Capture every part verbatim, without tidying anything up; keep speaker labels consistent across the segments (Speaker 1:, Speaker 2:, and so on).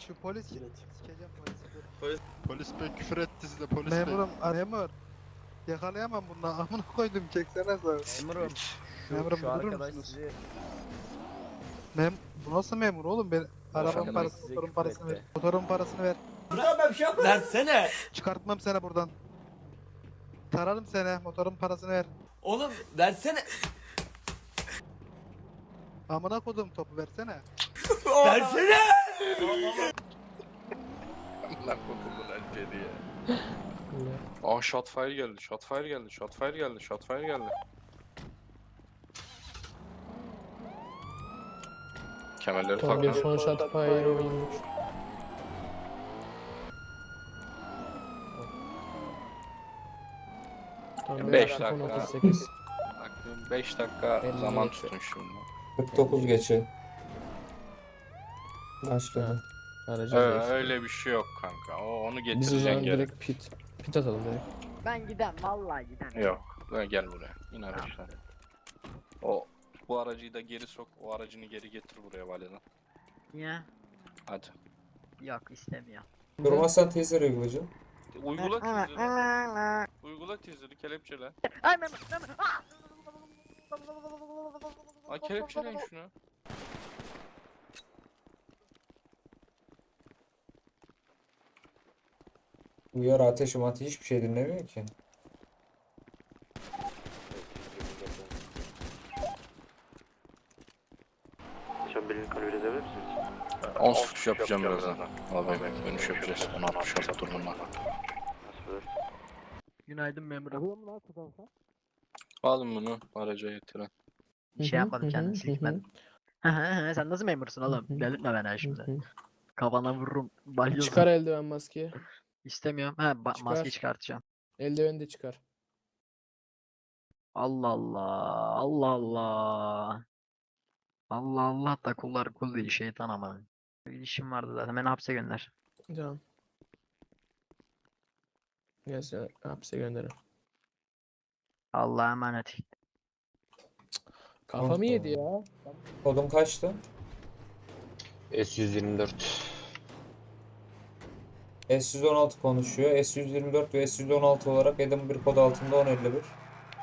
Speaker 1: Şu polis kim?
Speaker 2: Evet.
Speaker 1: Sikeceğim polisi dur.
Speaker 3: Polis, polis bey küfür etti size polis bey.
Speaker 1: Memurum, a- memur. Yakalayamam bundan. Amına koydum çeksene sen.
Speaker 4: Memurum, şu,
Speaker 1: Memurum,
Speaker 4: şu
Speaker 1: durur
Speaker 4: arkadaş
Speaker 1: musunuz?
Speaker 4: sizi...
Speaker 1: Mem bu nasıl memur oğlum? Ben arabamın
Speaker 4: arkadaş
Speaker 1: parasını,
Speaker 4: size
Speaker 1: motorun
Speaker 4: küfür
Speaker 1: parasını ver.
Speaker 4: etti.
Speaker 1: Motorun parasını ver.
Speaker 5: Versene.
Speaker 1: Çıkartmam seni buradan. Tararım seni. Motorun parasını ver.
Speaker 5: Oğlum versene.
Speaker 1: Amına koydum topu versene.
Speaker 5: Versene.
Speaker 3: Allah kokudan önce diye. Aa shotfire geldi, shotfire geldi, shotfire geldi, shotfire geldi. Kemerleri
Speaker 2: Tam bir
Speaker 3: takın.
Speaker 2: son shot fire oyunmuş. Tam
Speaker 3: Beş
Speaker 2: bir
Speaker 3: dakika.
Speaker 2: iPhone otuz sekiz.
Speaker 3: beş dakika
Speaker 2: elli
Speaker 3: zaman
Speaker 2: geçe.
Speaker 3: tutun şimdi.
Speaker 6: kırk dokuz geçe. Başladı.
Speaker 2: Aracı
Speaker 3: Öyle,
Speaker 2: değişti.
Speaker 3: öyle bir şey yok kanka. O onu
Speaker 2: Biz o
Speaker 3: getireceksin
Speaker 2: zaman
Speaker 3: geri.
Speaker 2: direkt pit. Pit atalım direkt.
Speaker 7: Ben gidem vallahi gidem.
Speaker 3: Yok. Gel gel buraya. İn araçtan. O bu aracıyı da geri sok. O aracını geri getir buraya validen.
Speaker 7: Niye?
Speaker 3: Hadi.
Speaker 7: Yok istemiyor.
Speaker 6: Durmazsan teaser uygulayacağım.
Speaker 3: Uygula teaser'ı. Uygula teaser'ı kelepçele.
Speaker 7: Ay Mehmet Mehmet. Ah!
Speaker 3: Ay kelepçeleyin şunu.
Speaker 6: Uyar ateş ateş hiçbir şey dinlemiyor ki.
Speaker 3: on suç yapacağım birazdan. Abi dönüş yapacağız. on altmış altı durumunda.
Speaker 7: Günaydın memurum.
Speaker 3: Alın bunu araca getirin.
Speaker 7: Bir şey yapmadım kendim silkmedim. Sen nasıl memursun oğlum? Delirtme beni ha şimdi. Kafana vururum. Balyoz.
Speaker 2: Çıkar eldiven maskeyi.
Speaker 7: İstemiyorum. Ha ba-
Speaker 2: Çıkar.
Speaker 7: maske çıkartacağım.
Speaker 2: Eldiveni de çıkar.
Speaker 7: Allah Allah. Allah Allah. Allah Allah da kullar kul değil şeytan ama. Bir işim vardı zaten. Beni hapse gönder.
Speaker 2: Tamam. Gel seni hapse gönderin.
Speaker 7: Allah'a emanet.
Speaker 2: Kafamı yedi ya.
Speaker 6: Kodum kaçtı?
Speaker 8: S yüz yirmi dört.
Speaker 6: S yüz on altı konuşuyor. S yüz yirmi dört ve S yüz on altı olarak Edinburgh kod altında on elli bir.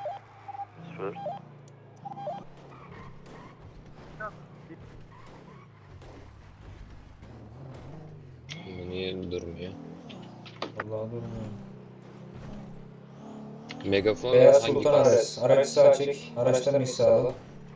Speaker 8: Niye durmuyor?
Speaker 6: Vallahi durmuyor.
Speaker 8: Megafon
Speaker 6: Beyaz
Speaker 8: hangi
Speaker 6: Sultan
Speaker 8: kas?
Speaker 6: Ares. Araç sağ çek. Araçtan iş sağla.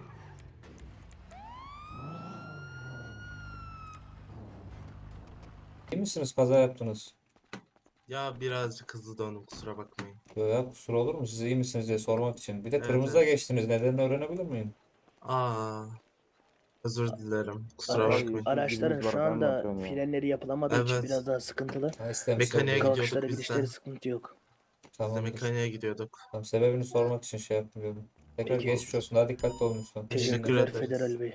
Speaker 6: İyi misiniz? Kaza yaptınız.
Speaker 9: Ya birazcık hızlı döndüm kusura bakmayın.
Speaker 6: Yo ya kusur olur mu? Siz iyi misiniz diye sormak için. Bir de
Speaker 9: Evet,
Speaker 6: kırmızıda
Speaker 9: evet.
Speaker 6: geçtiniz. Nedenini öğrenebilir miyim?
Speaker 9: Aa, özür dilerim. Kusura
Speaker 10: Araç-
Speaker 9: bakmayın.
Speaker 10: Araçların şu anda frenleri yapılamadığı için
Speaker 9: Evet.
Speaker 10: biraz daha sıkıntılı.
Speaker 6: Ha, istemişler.
Speaker 9: Mekaniğe gidiyorduk
Speaker 10: Kalkışları
Speaker 9: biz
Speaker 10: gidişleri
Speaker 9: de.
Speaker 10: sıkıntı yok.
Speaker 9: Biz de
Speaker 6: Tamam.
Speaker 9: mekaniğe gidiyorduk.
Speaker 6: Tamam, sebebini sormak için şey yaptım dedim. Tekrar
Speaker 10: Peki.
Speaker 6: geçmiş olsun. Daha dikkatli olun lütfen.
Speaker 9: Teşekkür
Speaker 10: Teşekkürler
Speaker 9: ederiz.
Speaker 10: Federal Bey.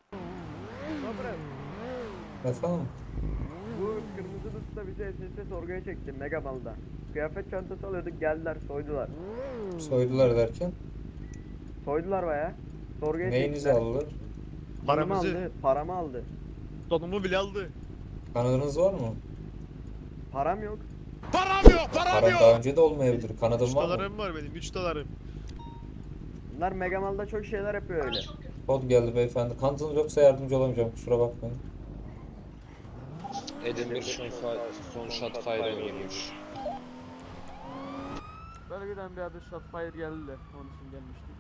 Speaker 6: Efendim?
Speaker 4: Bu kırmızı usta bizi S S sorguya çekti Megamal'da. Kıyafet çantası alıyorduk geldiler soydular.
Speaker 6: Soydular derken.
Speaker 4: Soydular baya. Sorguya
Speaker 6: Neyinizi
Speaker 4: çektiler.
Speaker 6: aldılar?
Speaker 4: Paramı aldı. Paramı aldı.
Speaker 5: Donumu bile aldı.
Speaker 6: Kanadınız var mı?
Speaker 4: Param yok.
Speaker 5: Param yok, param
Speaker 6: Para
Speaker 5: yok.
Speaker 6: daha önce de olmayabilir. Kanadın
Speaker 5: üç
Speaker 6: var mı?
Speaker 5: dolarım var benim, üç dolarım.
Speaker 4: Bunlar Megamal'da çok şeyler yapıyor öyle.
Speaker 6: Kod geldi beyefendi. Kanıtınız yoksa yardımcı olamayacağım. Kusura bakmayın.
Speaker 8: Edinburgh son, fa- son shot fire oynuyormuş.
Speaker 4: Bölgeden bir adı Shotfire geldi de onun için gelmiştik.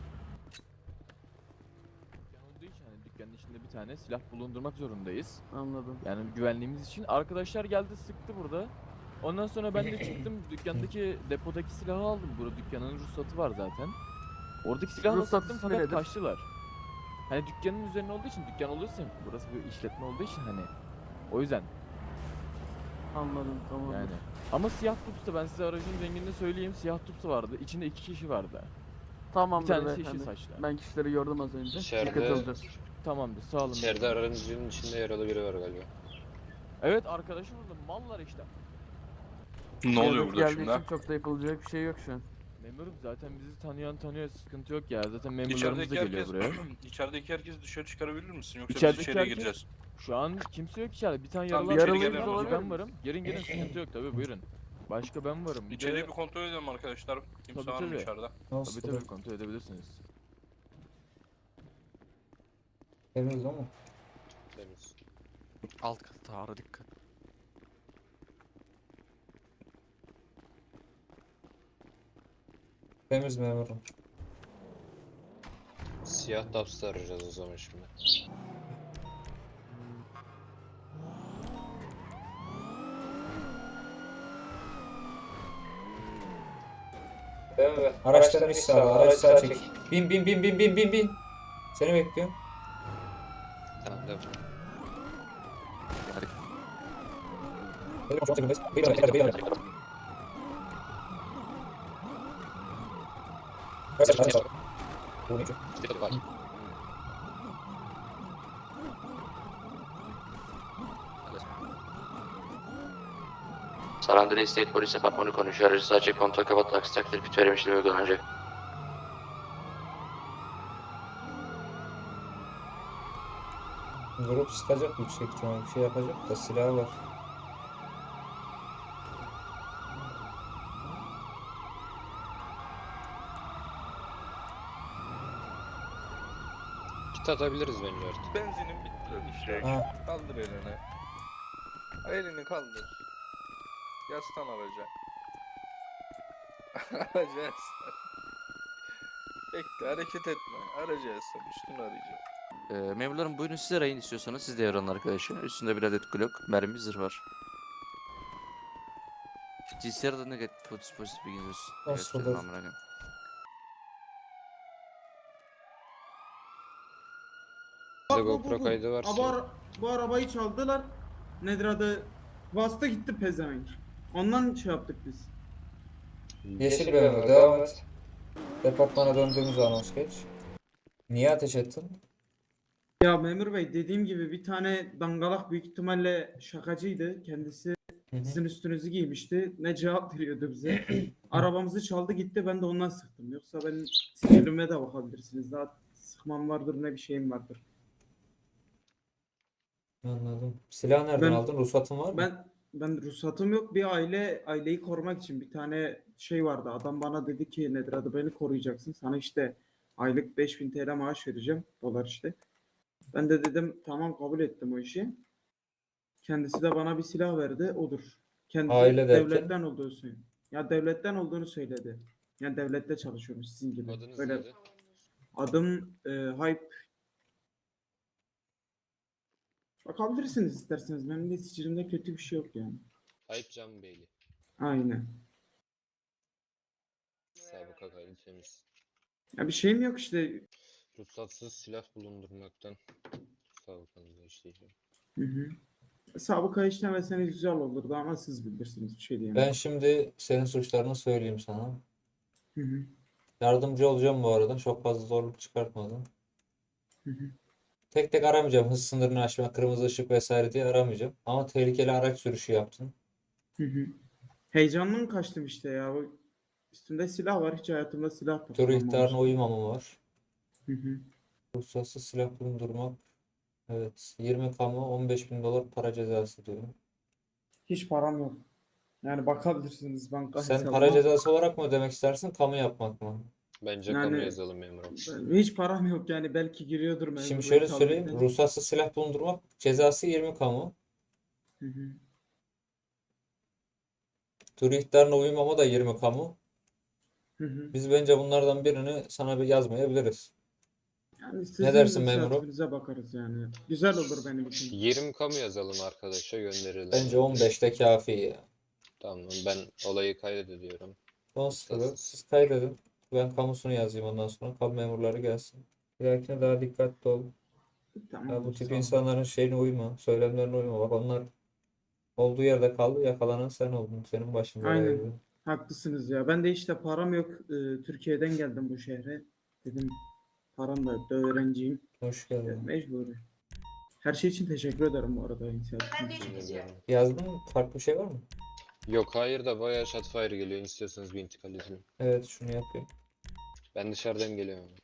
Speaker 11: Dükkan olduğu için hani dükkanın içinde bir tane silah bulundurmak zorundayız.
Speaker 4: Anladım.
Speaker 11: Yani güvenliğimiz için. Arkadaşlar geldi sıktı burada. Ondan sonra ben de çıktım dükkandaki depodaki silahı aldım. Burada dükkanın ruhsatı var zaten. Oradaki silahı da
Speaker 4: Ruhsat
Speaker 11: sıktım
Speaker 4: ismi
Speaker 11: fakat
Speaker 4: nedir?
Speaker 11: kaçtılar. Hani dükkanın üzerine olduğu için dükkan olduğu için burası bir işletme olduğu için hani o yüzden
Speaker 4: Anladım tamam.
Speaker 11: yani. Ama siyah tupsu ben size aracın rengini söyleyeyim siyah tupsu vardı. İçinde iki kişi vardı.
Speaker 4: Tamamdır
Speaker 11: Bir tanesi
Speaker 4: beyefendi.
Speaker 11: yeşil saçlı.
Speaker 4: Ben kişileri gördüm az önce.
Speaker 8: İçeride-
Speaker 4: Dikkat alacağız.
Speaker 11: Tamamdır sağ olun.
Speaker 8: İçeride aracın içinde yaralı biri var galiba.
Speaker 11: Evet arkadaşı burada mallar işte.
Speaker 3: Ne oluyor burada
Speaker 4: Geldiği
Speaker 3: şimdi?
Speaker 4: için çok da yapılacak bir şey yok şu an.
Speaker 11: Memurum zaten bizi tanıyan tanıyor sıkıntı yok ya zaten memurlarımız
Speaker 3: İçerideki
Speaker 11: da geliyor
Speaker 3: herkes,
Speaker 11: buraya.
Speaker 3: içerideki herkes dışarı çıkarabilir misin? Yoksa biz
Speaker 11: İçerideki
Speaker 3: içeriye
Speaker 11: herkes-
Speaker 3: gireceğiz.
Speaker 11: Şu an kimse yok içeride. Bir tane
Speaker 3: Tamam,
Speaker 11: yaralı
Speaker 3: içeri
Speaker 11: arkadaşımız
Speaker 3: gelelim o
Speaker 11: var.
Speaker 3: zaman.
Speaker 11: Ben varım. Gelin gelin sıkıntı yok tabii buyurun. Başka ben varım. Bir
Speaker 3: İçeriği
Speaker 11: de
Speaker 3: bir kontrol edelim arkadaşlar. Kimse
Speaker 11: Tabii,
Speaker 3: var mı
Speaker 11: tabii.
Speaker 3: içeride?
Speaker 11: tabii
Speaker 6: Nasıl?
Speaker 11: tabii kontrol edebilirsiniz.
Speaker 6: Temiz ama.
Speaker 8: Temiz.
Speaker 3: Alt kat ağrı dikkat.
Speaker 6: Temiz memurum.
Speaker 8: Siyah Dubs'ı arayacağız o zaman şimdi.
Speaker 6: Araçların iç sağda. Araç sağa çek. Bin bin bin bin bin bin bin. Seni bekliyorum.
Speaker 8: Tamam devam.
Speaker 7: San Andreas State Polis Departmanı konuşuyor. Aracı sadece kontrol kapat taksi takdir pit verim işlemi uygulanacak.
Speaker 6: Grup sıkacak yüksek ihtimal. Bir şey yapacak da silahı var.
Speaker 8: Kit atabiliriz bence artık.
Speaker 3: Benzinin bitti lan işte.
Speaker 6: Ha.
Speaker 3: Kaldır elini. Elini kaldır. Yaslan araca. Araca yaslan. Bekle hareket etme. Araca yaslan. Üstünü arayacağım.
Speaker 12: Ee, memurlarım buyurun siz arayın istiyorsanız siz de yaranın arkadaşı. Üstünde bir adet Glock, mermi, zırh var. G C R'da negatif pozitif pozitif bilginiz olsun.
Speaker 6: Nasıl
Speaker 12: Gösterin
Speaker 6: olur?
Speaker 12: amına koyayım.
Speaker 8: Bizde GoPro kaydı varsa.
Speaker 5: Bu, ara- bu arabayı çaldılar. Nedir adı? Bastı gitti pezevenk. Ondan şey yaptık biz.
Speaker 6: Yeşil memur devam et. Departmana döndüğümüz anons geç. Niye ateş ettin?
Speaker 5: Ya memur bey dediğim gibi bir tane dangalak büyük ihtimalle şakacıydı. Kendisi
Speaker 6: Hı hı.
Speaker 5: sizin üstünüzü giymişti. Ne cevap veriyordu bize. Arabamızı çaldı gitti ben de ondan sıktım. Yoksa ben sicilime de bakabilirsiniz. Daha sıkmam vardır ne bir şeyim vardır.
Speaker 6: Anladım. Silah nereden
Speaker 5: Ben-
Speaker 6: aldın? Ruhsatın var mı?
Speaker 5: Ben ben ruhsatım yok. Bir aile aileyi korumak için bir tane şey vardı. Adam bana dedi ki nedir adı beni koruyacaksın. Sana işte aylık beş bin T L maaş vereceğim. Dolar işte. Ben de dedim tamam kabul ettim o işi. Kendisi de bana bir silah verdi. Odur. Kendisi
Speaker 6: Aile derken?
Speaker 5: devletten olduğunu söyledi. Ya devletten olduğunu söyledi. Yani devlette çalışıyormuş sizin gibi.
Speaker 8: Adınız
Speaker 5: Böyle
Speaker 8: neydi?
Speaker 5: adım e, Hype. Bakabilirsiniz isterseniz. Benim de sicilimde kötü bir şey yok yani.
Speaker 8: Ayıp Can Beyli.
Speaker 5: Aynen.
Speaker 8: Sabıka kaydı temiz.
Speaker 5: Ya bir şeyim yok işte.
Speaker 8: Ruhsatsız silah bulundurmaktan sabıkanızda işleyeceğim.
Speaker 5: Hı hı. Sabıka işlemeseniz güzel olurdu ama siz bilirsiniz bir şey diyemem.
Speaker 6: Ben şimdi senin suçlarını söyleyeyim sana.
Speaker 5: Hı hı.
Speaker 6: Yardımcı olacağım bu arada. Çok fazla zorluk çıkartmadım.
Speaker 5: Hı hı.
Speaker 6: Tek tek aramayacağım. Hız sınırını aşma, kırmızı ışık vesaire diye aramayacağım. Ama tehlikeli araç sürüşü yaptın.
Speaker 5: Hı hı. Heyecandan kaçtım işte ya. Bu üstümde silah var. Hiç hayatımda silah
Speaker 6: Tur
Speaker 5: takmamıştım.
Speaker 6: ihtarına uymama var.
Speaker 5: Hı hı.
Speaker 6: Ruhsatsız silah bulundurmak. Evet. yirmi kamu on beş bin dolar para cezası diyor.
Speaker 5: Hiç param yok. Yani bakabilirsiniz banka
Speaker 6: Sen
Speaker 5: hesabıma.
Speaker 6: para cezası olarak mı ödemek istersin, kamu yapmak mı?
Speaker 8: Bence
Speaker 5: Yani-
Speaker 8: kamu yazalım memurum.
Speaker 5: Ben- Hiç param yok yani belki giriyordur memur
Speaker 6: Şimdi
Speaker 5: bey
Speaker 6: şöyle söyleyeyim.
Speaker 5: tabletten.
Speaker 6: Ruhsatsız silah bulundurmak cezası yirmi kamu.
Speaker 5: Hı hı.
Speaker 6: Tur ihtarına uymama da yirmi kamu.
Speaker 5: Hı hı.
Speaker 6: Biz bence bunlardan birini sana bir yazmayabiliriz.
Speaker 5: Yani sizin
Speaker 6: Ne dersin memurum?
Speaker 5: inisiyatifinize bakarız yani. Güzel olur benim için.
Speaker 8: yirmi kamu yazalım arkadaşa gönderelim.
Speaker 6: Bence on beşte kafi ya.
Speaker 8: Tamam ben olayı kaydediyorum.
Speaker 6: on sıfır. Siz kaydedin. Ben kamusunu yazayım ondan sonra. Kamu memurları gelsin. Bir dahakine daha dikkatli ol.
Speaker 5: Tamam.
Speaker 6: Ya bu
Speaker 5: sağ
Speaker 6: tip
Speaker 5: olun.
Speaker 6: insanların şeyine uyma. Söylemlerine uyma. Bak onlar olduğu yerde kaldı. Yakalanan sen oldun. Senin başın belaya
Speaker 5: Aynen.
Speaker 6: girdi.
Speaker 5: Haklısınız ya. Ben de işte param yok. Ee, Türkiye'den geldim bu şehre. Dedim param da yok da öğrenciyim.
Speaker 6: Hoş
Speaker 5: Ee,
Speaker 6: geldin.
Speaker 5: Mecburi. Her şey için teşekkür ederim bu arada inisiyatifiniz için.
Speaker 8: Bilmiyorum.
Speaker 6: Yazdın mı? Farklı bir şey var mı?
Speaker 8: Yok hayır da bayağı shotfire geliyor. İstiyorsanız bir intikal edelim.
Speaker 6: Evet şunu yapayım.
Speaker 8: Ben dışarıdan geliyorum.